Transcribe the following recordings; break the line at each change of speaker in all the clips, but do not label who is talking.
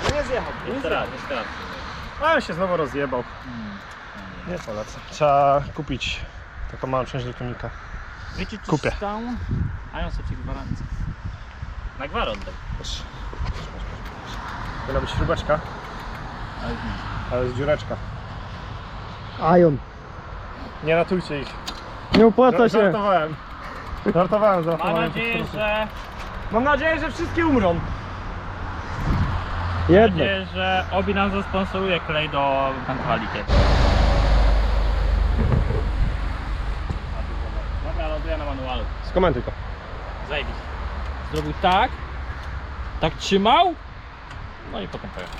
No nie zjechał.
Jeszcze raz.
Ale się znowu rozjebał. Nie polecę. Trzeba kupić taką małą część do tunika.
Wiecie, czy
Kupię.
stał? A ja sobie gwarancję. Na gwarant daj.
Proszę. Powinna być śrubeczka, ale jest dziureczka.
Ion.
Nie ratujcie ich.
Nie opłaca się.
Żartowałem. Żartowałem.
Mam nadzieję, że...
Mam nadzieję, że wszystkie umrą.
Mam
Jedno.
nadzieję, że Obi nam zasponsoruje klej do kontroli. Dobra, ląduję na manualu.
Skomentuj to.
Zajebiście. Zrobił tak. Tak trzymał. No i potem pojechał.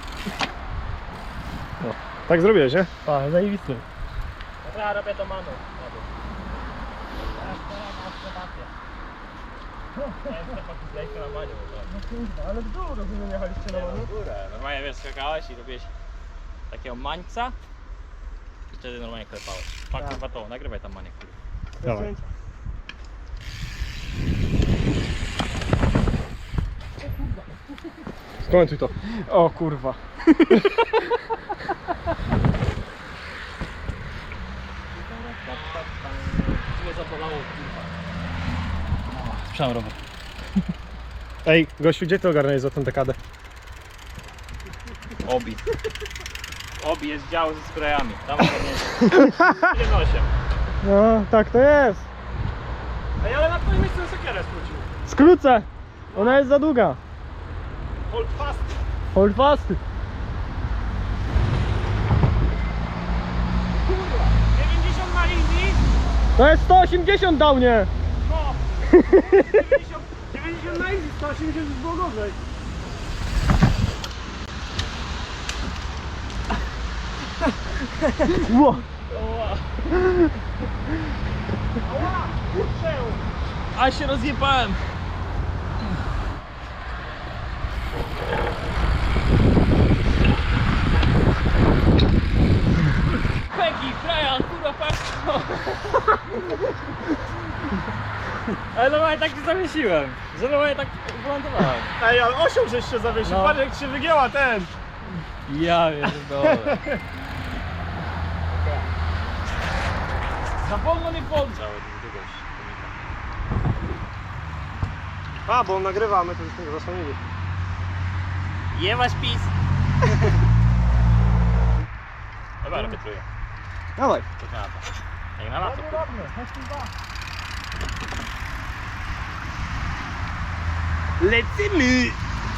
Tak zrobiłeś, nie?
A, zajebisty.
Dobra, robię to manu.
Ale w dół rozumiem, jechaliście na manu.
Górę. Normalnie wiesz, skakałeś i robiłeś takiego mańca i wtedy normalnie klepałeś. Pak, kurwa to, nagrywaj tam maniek.
Dawaj. Skomentuj to.
O kurwa.
Mnie zabolało, kurwa. Sprzedam rower.
Ej, gościu, gdzie ty ogarniałeś za tę dekadę?
Obi. Obi jest dział ze sprayami. Tam ogarnięcie. 1,8.
No, tak to jest.
Ej, ale na twoim miejscu sekierę skrócił.
Skrócę. Ona jest za długa.
Hold fast.
Hold fast.
Kurwa. 90 na easy.
To jest 180 dał nie.
No. 90 na easy, 180 już było gorzej.
Ło.
Ała, kurczę.
A się rozjebałem. Peggy, Brian, kurwa, patrz. Ale normalnie tak się zawiesiłem, że normalnie tak wylądowałem.
Ej, ale osioł żeś się zawiesił,
No.
patrz jak się wygięła ten.
Ja pierdolę. Za wolno nie podrzał.
A, bo nagrywamy, to już tego zasłonili.
Jebać pis. Dobra, robię trójkę.
Dawaj.
Co na to? Jak na lato. Lecimy!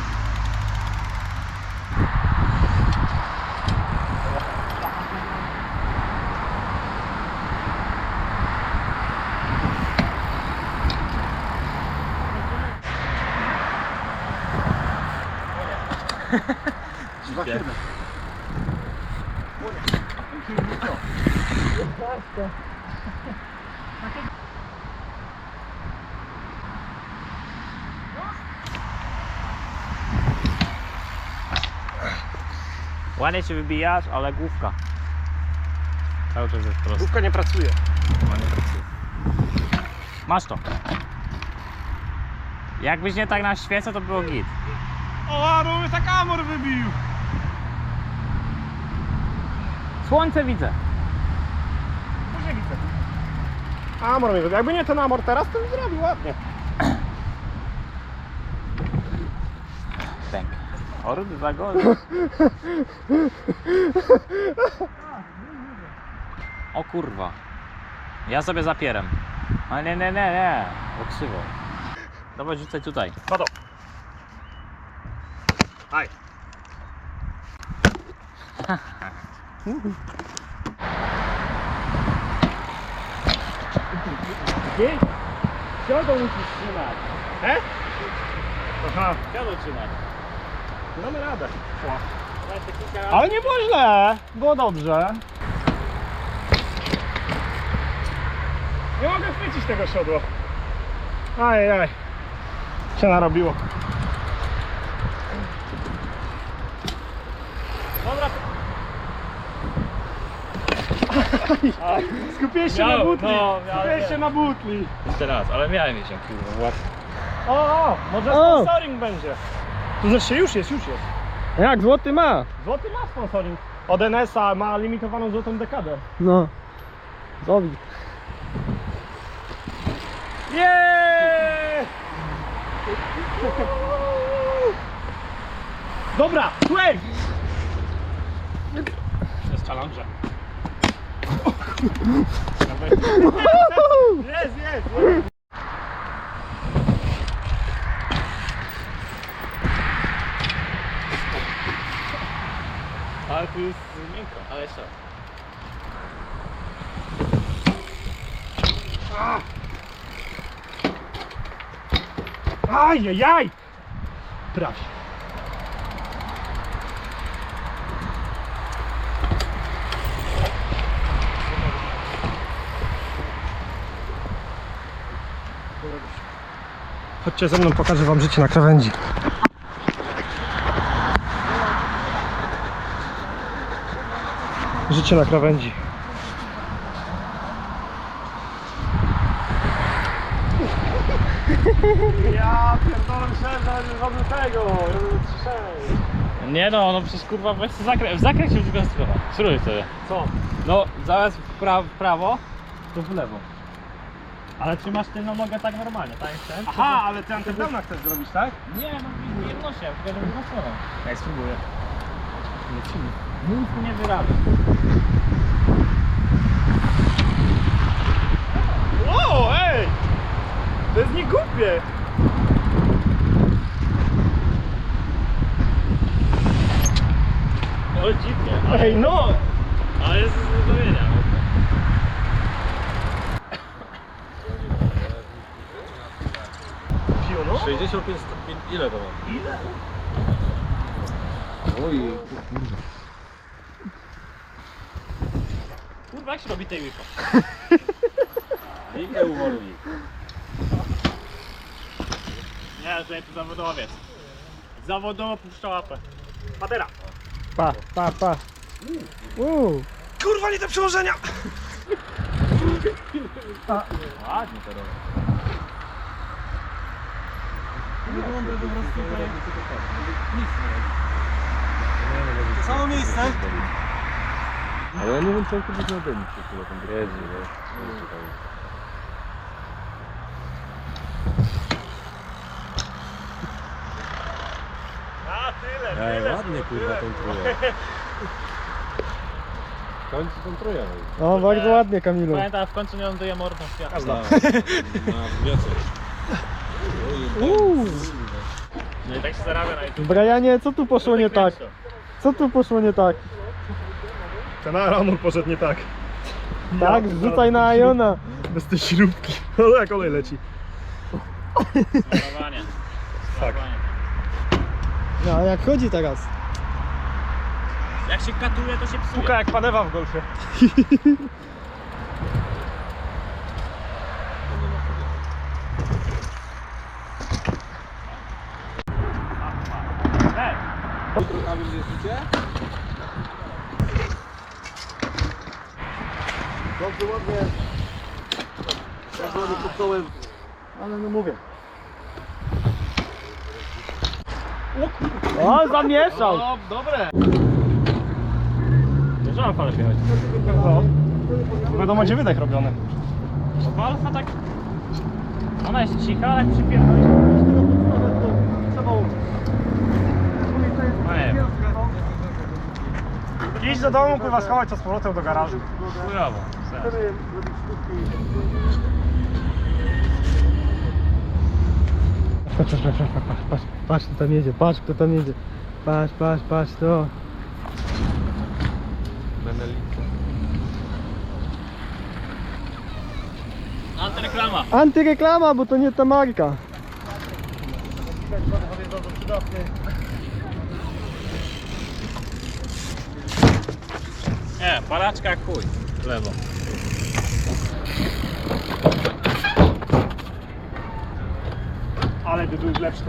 Ładnie się wybijasz, ale główka. Cały czas jest prosto.
Główka nie pracuje.
Ładnie pracuje. Masz to. Jakbyś nie tak na świecę, to było git.
O, Aru, tak amor wybił.
Słońce widzę.
Później widzę. Amor mi wybił. Jakby nie ten amor teraz, to bym zrobił ładnie.
Pęk. Ordy za gol. O kurwa. Ja sobie zapieram. A nie. Bo krzywo. Dobra, rzucaj tutaj.
Pato. Aj.
Gdzie? Siodą musisz trzymać.
Aha,
Siodą trzymać.
damy radę.
Daj te kilka razy.
Ale nie było źle, było dobrze. Nie mogę chwycić tego siodła. Ajajaj. Się narobiło.
Dobra.
Skupiłeś się
Miałem,
na butli.
no, miałem,
Skupiłeś się
miałem.
na butli.
Jeszcze raz, ale miałem się kurwa łatwo.
O, może
O!
sponsoring będzie. To znaczy już jest.
Jak, złoty ma?
Złoty ma sponsoring. Od NS-a ma limitowaną złotą dekadę.
No. Zobi.
Jeee! Dobra, słuchaj! To jest challenge. Jest, jest!
Ale tu jest miękko, ale jeszcze.
Ajajaj! Prawie. Chodźcie ze mną, pokażę wam życie na krawędzi. Życie na krawędzi. Ja pierdolę, myślałem, że robię tego, robię 3-6.
Nie no, no przecież kurwa weź w zakręt się już konstruować. Spróbuj sobie.
Co?
No zamiast w prawo, to w lewo. Ale trzymasz tylną nogę tak normalnie, tak jak chcesz?
Aha, ale ty antydowna chcesz zrobić, tak?
Nie, no nie wnoszę, tylko żeby drugą stroną.
Ja spróbuję.
Lecimy. Nic nie wyrabia.
O, ej! To jest nie głupie!
No dziwnie,
Ej, no!
ale jest z zrobienia.
Piono?
65 stopni, ile to ma?
Ile?
Oj, kurwa. Kurwa, jak się robi tej łypa? Likę uwolni. Nie, że tu zawodowiec. Zawodowo puszcza łapę.
Patera!
Pa, pa, pa.
Kurwa, nie te przełożenia!
Ładnie to robi.
To samo miejsce?
Ale ja nie wiem, co on kiedyś na dymi się tam jeździ,
A, tyle,
Ej,
tyle.
ładnie kurwa tą trójkę. W końcu tą trójkę.
No, bardzo ładnie, Kamilu.
Pamiętam, w końcu nie ląduje mordą w światło.
Na wniosek.
No i tak się zarabia na YouTube.
Brianie, co tu poszło nie tak? Co tu poszło nie tak?
Ten aramur poszedł nie tak.
Tak, zrzucaj na Iona.
Bez tej śrubki. No jak olej leci.
Smarowanie.
Tak.
No, a jak chodzi teraz?
Jak się katuje, to się psuje.
Puka jak panewa w golfie.
Ej,
A wy jeździcie?
Dobrze, ładnie. Ładnie pod kołem. Ale no mówię.
O, zamieszał!
no dobre. Nie żal pan jechać.
No. Wiadomo gdzie wydech robiony.
Golfa tak... Ona jest cicha, ale jak przypierdoli. No nie wiem.
Idź do domu, pływa schować co z powrotem do garażu.
Chujowo.
Patrz, kto tam jedzie, patrz, kto tam jedzie. Patrz, to.
Antyreklama.
Antyreklama, bo to nie ta marka.
Nie, palaczka jak chuj. W lewo.
Ale by był lepszy tą.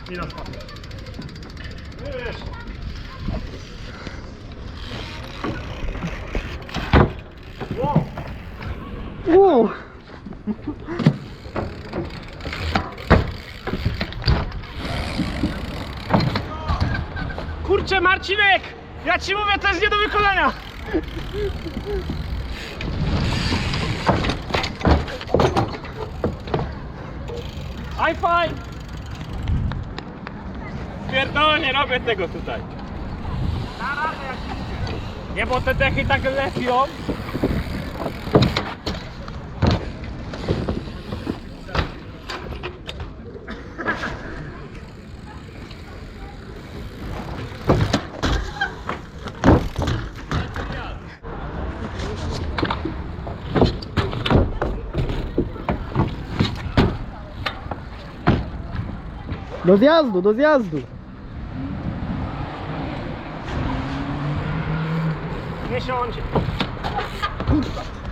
I na spadnie. Wiesz. Wow.
Wow.
Kurczę, Marcinek! Ja ci mówię, to jest nie do wykonania!
High five! Pierdolę, nie robię tego tutaj. Nie, bo te dechy tak lepią.
Do zjazdu, do zjazdu.
Nie siądzie.